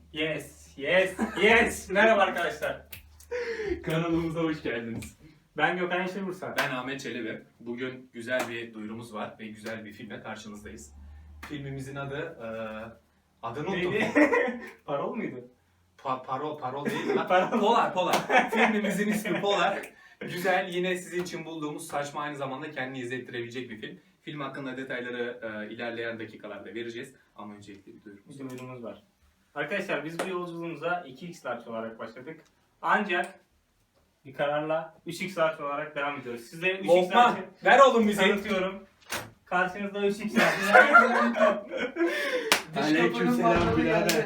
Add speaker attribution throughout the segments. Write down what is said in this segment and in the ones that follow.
Speaker 1: Yes. Merhaba arkadaşlar.
Speaker 2: Kanalımıza hoş geldiniz.
Speaker 1: Ben Gökhan Yeşilbursa.
Speaker 2: Ben Ahmet Çelebi. Bugün güzel bir duyurumuz var ve güzel bir filmle karşınızdayız. Filmimizin adı... adını unuttum.
Speaker 1: Neydi? Parol muydu?
Speaker 2: Parol değil mi? Polar. Filmimizin ismi Polar. Güzel, yine sizin için bulduğumuz saçma, aynı zamanda kendini izlettirebilecek bir film. Film hakkında detayları ilerleyen dakikalarda vereceğiz. Ama öncelikle bir duyurumuz var.
Speaker 1: Duyurumuz var. Arkadaşlar biz bu yolculuğumuza 2x large olarak başladık. Ancak bir kararla 3x large olarak devam ediyoruz. Size 3x
Speaker 2: Lokman,
Speaker 1: large'ı
Speaker 2: ver oğlum bizi.
Speaker 1: tanıtıyorum. Karşınızda 3x large.
Speaker 3: Aleykümselam birader.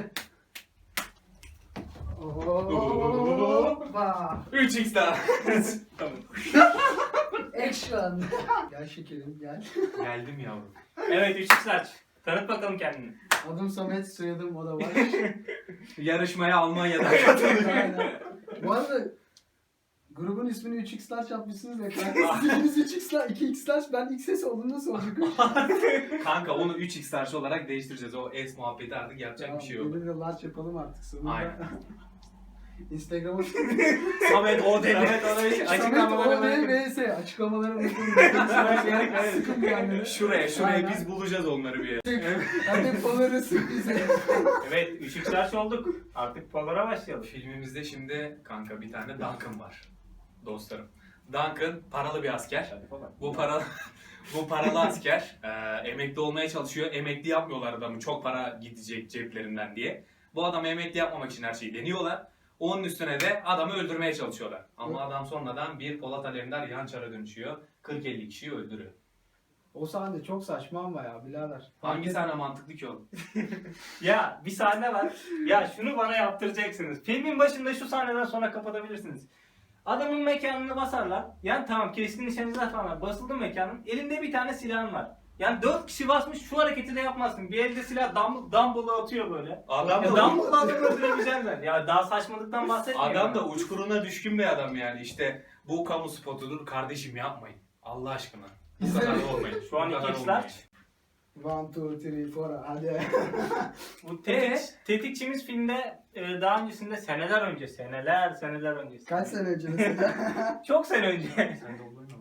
Speaker 4: Hoppa.
Speaker 2: 3x daha. Tamam.
Speaker 4: Action. Gel şekerim gel.
Speaker 2: Geldim yavrum.
Speaker 1: Evet 3x large. Tanıt bakalım kendini.
Speaker 4: Adım Samet, soyadım o da var.
Speaker 2: Yarışmaya Almanya'dan katıldım.
Speaker 4: Aynen. Bu arada grubun ismini 3x large yapmışsınız ya kanka. Biriniz 3x large, 2x large, ben XS olduğunu soracak.
Speaker 2: Kanka onu 3x large olarak değiştireceğiz. O S muhabbeti artık yapacak bir şey yok.
Speaker 4: Benim de large yapalım artık sonunda.
Speaker 2: Aynen.
Speaker 4: Instagram'a
Speaker 2: Samet o dedi.
Speaker 1: Evet ona bir
Speaker 4: Samet
Speaker 1: açıklamaları
Speaker 4: ODVS açıklamaları unuttum. Sıkın yani.
Speaker 2: Şuraya
Speaker 4: Aynen.
Speaker 2: biz bulacağız onları bir yere.
Speaker 4: Hadi Polar'ı sürprize.
Speaker 1: Evet 3x large olduk. Artık Polar'a başlayalım.
Speaker 2: Filmimizde şimdi kanka bir tane Duncan var. Dostlarım. Duncan paralı bir asker. Bu paralı asker emekli olmaya çalışıyor. Emekli yapmıyorlar adamı, çok para gidecek ceplerinden diye. Bu adamı emekli yapmamak için her şeyi deniyorlar. Onun üstüne de adamı öldürmeye çalışıyorlar. Ama adam sonradan bir Polat Alemdar yançara dönüşüyor. 40-50 kişiyi öldürüyor.
Speaker 4: O sahne çok saçma ama ya birader.
Speaker 2: Hangi sahne mantıklı ki oğlum?
Speaker 1: Ya bir sahne var. Ya şunu bana yaptıracaksınız. Filmin başında şu sahneden sonra kapatabilirsiniz. Adamın mekanını basarlar. Yani tamam keskin nişancılar falan var. Basıldı mekanın. Elinde bir tane silahın var. Yani 4 kişi basmış, şu hareketi de yapmazsın. Bir elde silah dumbbell'ı atıyor böyle.
Speaker 2: Adam
Speaker 1: Ya
Speaker 2: da,
Speaker 1: dumbbell'ı adamı öldürebileceksin ben. Ya daha saçmalıktan bahsetmiyorum.
Speaker 2: adam da uçkuruna düşkün bir adam yani. İşte bu kamu spotudur kardeşim, yapmayın. Allah aşkına. Bu kadar da olmayın.
Speaker 1: Şu an
Speaker 2: Bu kadar
Speaker 1: 2x
Speaker 2: olmayın.
Speaker 1: large.
Speaker 4: 1, 2, 3, 4 hadi.
Speaker 1: Bu tetikçimiz filmde daha öncesinde seneler önce.
Speaker 4: Kaç sene önce mesela?
Speaker 1: Çok sene önce.
Speaker 2: Sen de olur mu?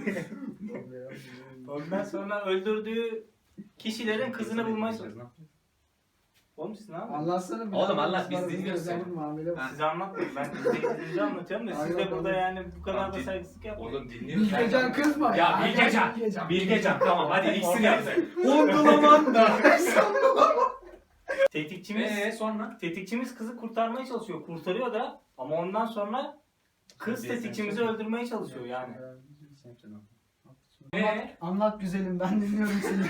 Speaker 1: Ondan sonra öldürdüğü kişilerin kızını bulmaya çalışıyor. Oğlum siz ne yapıyorsunuz?
Speaker 4: Anlatsana bir.
Speaker 2: Oğlum
Speaker 4: daha,
Speaker 2: anlat, biz
Speaker 4: bana
Speaker 2: dinliyoruz
Speaker 4: özel
Speaker 2: seni.
Speaker 4: muamele var.
Speaker 1: Siz anlatmayın. Ben izleyicinizi anlatıyorum da siz de
Speaker 4: Aynen,
Speaker 1: burada
Speaker 4: aynen.
Speaker 1: yani bu kadar da
Speaker 2: Tamam,
Speaker 1: saygısızlık yapmayın.
Speaker 2: Oğlum dinliyoruz.
Speaker 4: Bilgecan kızma
Speaker 2: Ya Bilgecan tamam hadi ikisini yapsak. Uygulaman da.
Speaker 1: Tetikçimiz kızı kurtarmaya çalışıyor. Kurtarıyor da ama ondan sonra kız tetikçimizi öldürmeye çalışıyor yani.
Speaker 4: Anlat güzelim, ben dinliyorum seni.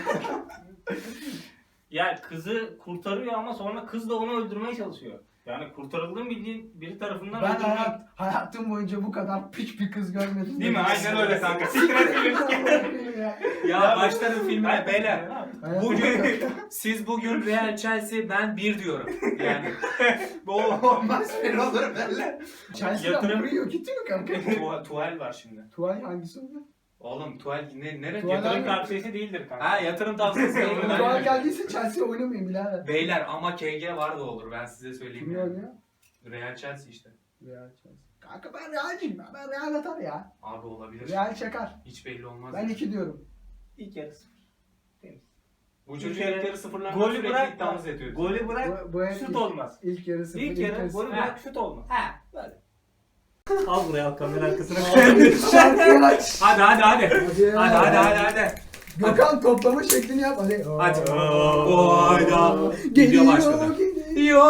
Speaker 1: Yani kızı kurtarıyor ama sonra kız da onu öldürmeye çalışıyor. Yani kurtarıldığın bildiğin biri tarafından
Speaker 4: Ben
Speaker 1: öldürmek.
Speaker 4: hayatım boyunca bu kadar piç bir kız görmedim.
Speaker 1: Değil mi? Aynen öyle kanka. Sikret film.
Speaker 2: Ya başlarım filmine beyler.
Speaker 4: Bugün
Speaker 2: Siz bugün Real Chelsea, ben 1 diyorum. Yani
Speaker 4: bu olmaz bir olur böyle. Chelsea'den
Speaker 1: Yatırım-
Speaker 4: Mourinho gitti mi kanka?
Speaker 2: tuval var şimdi.
Speaker 4: Tuval hangisi oldu?
Speaker 2: Oğlum tuval nereye?
Speaker 4: Tuval
Speaker 1: Yatırım
Speaker 4: hangi-
Speaker 1: tavsiyesi değildir kanka.
Speaker 2: Ha, yatırım tavsiyesi.
Speaker 4: Tuval geldiyse Chelsea oynamayın birader.
Speaker 2: Beyler ama KG var da olur, ben size söyleyeyim.
Speaker 4: Kim
Speaker 2: Yani.
Speaker 4: oynuyor?
Speaker 2: Real Chelsea işte.
Speaker 4: Real Chelsea. Kanka ben Real'ciyim ya. Ben Real atar ya.
Speaker 2: Abi olabilir.
Speaker 4: Real çakar.
Speaker 2: Hiç belli olmaz.
Speaker 4: Ben 2 diyorum.
Speaker 1: İlk yarı 0. Temiz.
Speaker 2: Bu
Speaker 1: İlk
Speaker 2: çocuk
Speaker 1: yarı-
Speaker 2: ilk yarı sıfırlarında
Speaker 1: Golü
Speaker 2: sürekli
Speaker 1: bırak.
Speaker 2: dans ediyor.
Speaker 1: Golü bırak.
Speaker 4: Bu
Speaker 1: Şut olmaz.
Speaker 4: İlk yarı 0.
Speaker 1: İlk yarı golü
Speaker 4: sıfır.
Speaker 1: bırak şut olmaz.
Speaker 2: Ha.
Speaker 1: Böyle. Al buraya al kamera arkasına.
Speaker 4: Şarkı aç.
Speaker 2: Hadi.
Speaker 4: Hadi. Gökhan toplama şeklini yap. Hadi.
Speaker 2: Hadi. Oyda.
Speaker 4: Geliyor.
Speaker 2: Video başladı.
Speaker 4: Geliyor.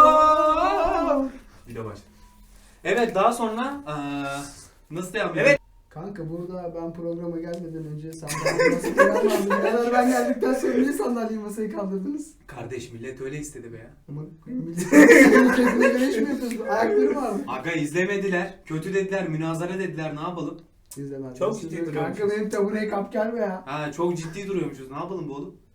Speaker 2: Video başladı. Evet, daha sonra nasıl devam ediyor?
Speaker 1: Evet.
Speaker 4: Kanka burada ben programa gelmeden önce sandalye masayı kaldırdım. Beraber ben geldikten sonra niye sandalye masayı kaldırdınız?
Speaker 2: Kardeş, millet öyle istedi be ya.
Speaker 4: Ama senin kendine göre iş mi yapıyorsun? Ayakları var mı?
Speaker 2: Aga izlemediler, kötü dediler, münazara dediler, ne yapalım?
Speaker 4: İzlemez.
Speaker 1: Çok ciddi
Speaker 4: Kanka
Speaker 2: duruyormuşuz.
Speaker 4: benim tabureye kap gelme ya.
Speaker 2: Ha, çok ciddi duruyormuşuz, ne yapalım bu oğlum?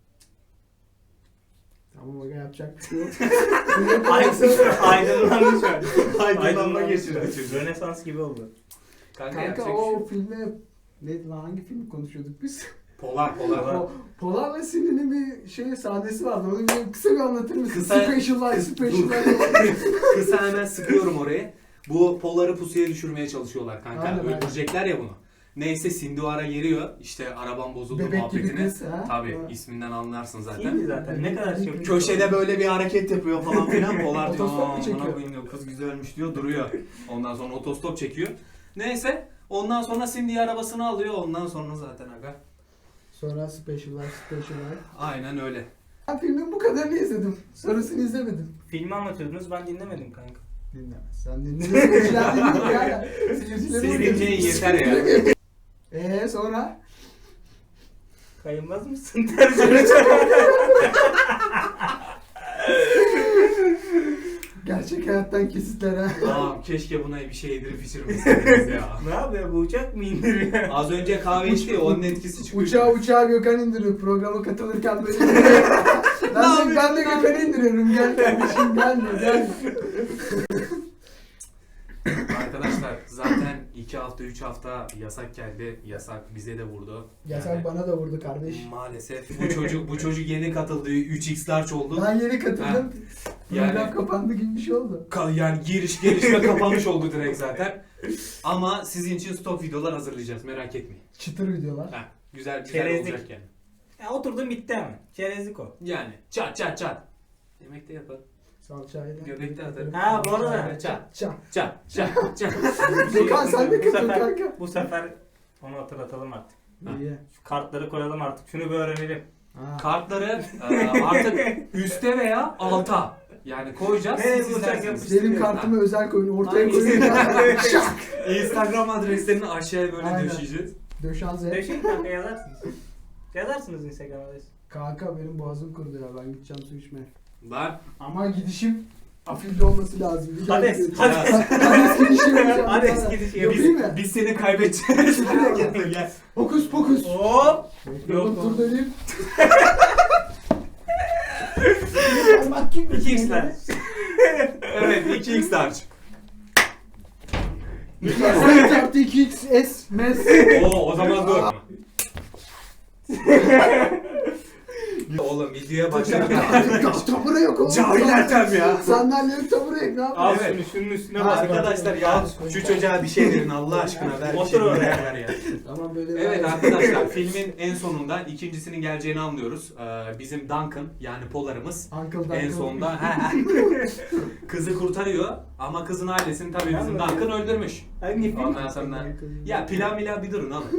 Speaker 4: Tamam aga, yapacak bir şey yok.
Speaker 1: Aydınlanmış öyle.
Speaker 2: Aydınlanma geçirdi çocuk.
Speaker 1: Rönesans gibi oldu.
Speaker 4: Kanka
Speaker 2: yapacak bir şey
Speaker 4: o
Speaker 2: yok.
Speaker 4: filme... Neydi lan, hangi filmi konuşuyorduk biz?
Speaker 2: Polar.
Speaker 4: Polar'la Cindy'nin bir sahnesi vardı. Onu kısa bir anlatır mısın?
Speaker 2: Kısa-
Speaker 4: Special
Speaker 2: Dur.
Speaker 4: Life.
Speaker 2: Kısa hemen sıkıyorum orayı. Bu Polar'ı pusuya düşürmeye çalışıyorlar kanka.
Speaker 4: Aynen, aynen.
Speaker 2: Öldürecekler ya bunu. Neyse Cindy o ara geliyor. İşte araban bozuldu
Speaker 4: Bebek gibi
Speaker 2: muhabbetini.
Speaker 4: kız, ha?
Speaker 2: Tabii
Speaker 4: Ha.
Speaker 2: isminden anlarsın zaten.
Speaker 1: Değil mi zaten? Ne kadar şey.
Speaker 2: Köşede böyle bir hareket yapıyor falan filan. Polar diyor,
Speaker 4: Otostop mu
Speaker 2: "Aa,
Speaker 4: çekiyor?"
Speaker 2: amına koyayım diyor, kız güzelmiş diyor, duruyor. Ondan sonra otostop çekiyor. Neyse ondan sonra Cindy arabasını alıyor. Ondan sonra zaten aga.
Speaker 4: Sonra Special Life.
Speaker 2: Aynen öyle.
Speaker 4: Ben filmin bu kadarını izledim. Sonrasını izlemedim.
Speaker 1: Filmi anlatıyordunuz ben dinlemedim kanka.
Speaker 4: Dinlemez. Sen dinle. Seyirciler dinliyor yani. Seyirciler
Speaker 2: Seyirciye
Speaker 4: dinliyor.
Speaker 2: yeter ya.
Speaker 4: Sonra?
Speaker 1: Kayınmaz mısın? Tersine
Speaker 4: Gerçek hayattan kesitler ha.
Speaker 2: Aa, keşke buna bir şey yedirip içirmeseydiniz ya.
Speaker 1: Ne yapıyor bu uçak mı indiriyor?
Speaker 2: Az önce kahve içti ya, onun etkisi çıkıyor.
Speaker 4: Uçağı Gökhan indiriyor. Programa katılırken böyle ben de Gökhan'ı indiriyorum. Gel kardeşim gel.
Speaker 2: Arkadaşlar zaten 2 hafta 3 hafta yasak geldi. Yasak bize de vurdu.
Speaker 4: Yasak
Speaker 2: Yani
Speaker 4: bana da vurdu kardeş.
Speaker 2: maalesef bu çocuk yeni katıldı. 3x large oldu.
Speaker 4: Ben yeni katıldım.
Speaker 2: Yani-
Speaker 4: Program kapandı gibi bir şey oldu.
Speaker 2: Yani giriş gelişme kapanmış oldu direkt zaten. Ama sizin için stok videolar hazırlayacağız, merak etmeyin.
Speaker 4: Çıtır videolar.
Speaker 2: Heh, güzel
Speaker 1: Çerezlik.
Speaker 2: olacak yani.
Speaker 1: Ya oturdum bitti hemen. Çerezlik o.
Speaker 2: Yani çat. Yemek de yaparım.
Speaker 4: Salçayla.
Speaker 2: Göbekte atarım.
Speaker 1: Ha, bu arada.
Speaker 2: Çat.
Speaker 4: Gökhan sen de
Speaker 1: Bu
Speaker 4: katıl
Speaker 1: sefer-
Speaker 4: kanka.
Speaker 1: Bu sefer onu hatırlatalım artık.
Speaker 4: İyi.
Speaker 1: Şu kartları koyalım artık. Şunu bir öğrenelim.
Speaker 4: Ha.
Speaker 2: Kartları artık üste veya alta yani koyacağız.
Speaker 1: Nereye
Speaker 2: Siz
Speaker 1: bulacak
Speaker 2: izlersiniz.
Speaker 4: Benim kartımı özel koyun. Ortaya
Speaker 2: Aynen.
Speaker 4: koyun. Şak.
Speaker 2: Instagram adreslerini aşağıya böyle
Speaker 4: Aynen.
Speaker 2: döşeyeceğiz.
Speaker 4: Döşanze.
Speaker 1: Döşeyin kanka yazarsınız. Yazarsınız Instagram'a.
Speaker 4: Kanka benim boğazım kurudu ya. Ben gideceğim su içmeye.
Speaker 2: Lan
Speaker 4: Ama gidişim afilli olması lazım. Bir daha
Speaker 1: Hades.
Speaker 4: gideceğim.
Speaker 1: Hades.
Speaker 4: Hades gidişim yapacağım.
Speaker 1: Hades gidişi
Speaker 4: Yapayım mı?
Speaker 2: biz seni kaybedeceğiz. Gel.
Speaker 4: Hokus pokus.
Speaker 1: Hop.
Speaker 4: Yok
Speaker 1: Yok.
Speaker 4: dur döneyim. Parmak gibi.
Speaker 1: 2x'ler.
Speaker 2: Evet 2x large.
Speaker 4: Sen çarptı 2xs mes.
Speaker 2: Oo o zaman dur. Oğlum videoya başladık.
Speaker 4: Tabure yok oğlum.
Speaker 2: Cahil Ertem ya.
Speaker 4: Sandalyenin tabure yok ne
Speaker 1: Al
Speaker 4: yapayım?
Speaker 2: Evet.
Speaker 1: şunun üstüne
Speaker 4: Ha,
Speaker 1: bas.
Speaker 2: Arkadaşlar ya şu çocuğa bir şey verin Allah aşkına ver. Bir
Speaker 1: Otur
Speaker 2: şey
Speaker 1: oraya.
Speaker 2: ver ya.
Speaker 4: Tamam böyle.
Speaker 2: Evet arkadaşlar filmin en sonunda ikincisinin geleceğini anlıyoruz. Bizim Duncan yani Polar'ımız
Speaker 4: Uncle
Speaker 2: en sonunda kızı kurtarıyor ama kızın ailesini tabii bizim Duncan öldürmüş.
Speaker 1: Hangi film?
Speaker 2: Ondan sonra ya plan bir durun oğlum.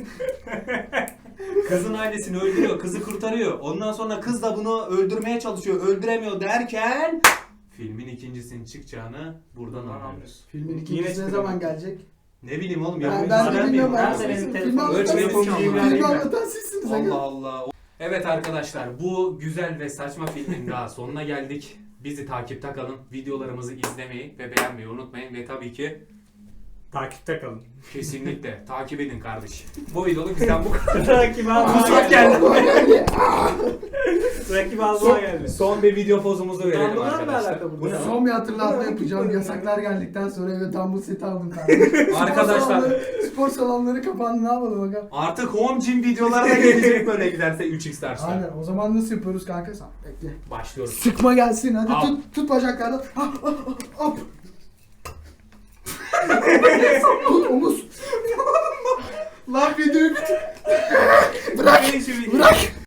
Speaker 2: Kızın ailesini öldürüyor, kızı kurtarıyor. Ondan sonra kız da bunu öldürmeye çalışıyor, öldüremiyor derken filmin ikincisinin çıkacağını buradan anlıyoruz.
Speaker 4: Filmin
Speaker 1: Yine
Speaker 4: ikincisi ne
Speaker 1: çıktı.
Speaker 4: zaman gelecek?
Speaker 2: Ne bileyim oğlum
Speaker 4: Ben
Speaker 2: ya.
Speaker 4: de
Speaker 1: ben
Speaker 4: bilmiyorum.
Speaker 1: nerede
Speaker 4: Ben
Speaker 1: benim
Speaker 4: filmi
Speaker 1: telefonum?
Speaker 4: anlatan
Speaker 2: Ölçme yapımcıyım
Speaker 4: sizsiniz.
Speaker 2: yani.
Speaker 4: Filmi anlatan sizsiniz.
Speaker 2: Allah Allah. Evet arkadaşlar bu güzel ve saçma filmin daha sonuna geldik. Bizi takipte kalın. Videolarımızı izlemeyi ve beğenmeyi unutmayın. Ve tabii ki
Speaker 1: Takipte kalın.
Speaker 2: kesinlikle takip edin kardeş. Bu videoluk bizden bu kadar.
Speaker 1: Rakip almaya
Speaker 2: Kusmak
Speaker 1: geldi.
Speaker 2: geldi.
Speaker 1: Rakip almaya geldi.
Speaker 2: Son bir video pozumuzu verelim
Speaker 1: Dumbledore'la
Speaker 2: arkadaşlar.
Speaker 1: alakalı bu
Speaker 2: Bu ne?
Speaker 1: ne?
Speaker 4: Son bir hatırlatma yapacağım. Yasaklar geldikten sonra eve Dumble seti aldım kardeşim.
Speaker 2: Arkadaşlar
Speaker 4: Spor salonları kapandı. Ne yapalım bakalım.
Speaker 2: artık home gym videoları da gelecek böyle giderse 3x derse.
Speaker 4: Aynen. O zaman nasıl yapıyoruz kanka sen? Bekle.
Speaker 2: Başlıyoruz.
Speaker 4: Sıkma gelsin. Hadi
Speaker 2: Al.
Speaker 4: tut bacaklardan. Hop. Tut omuz. Lan videoyu bitir. Bırak.
Speaker 1: Bırak.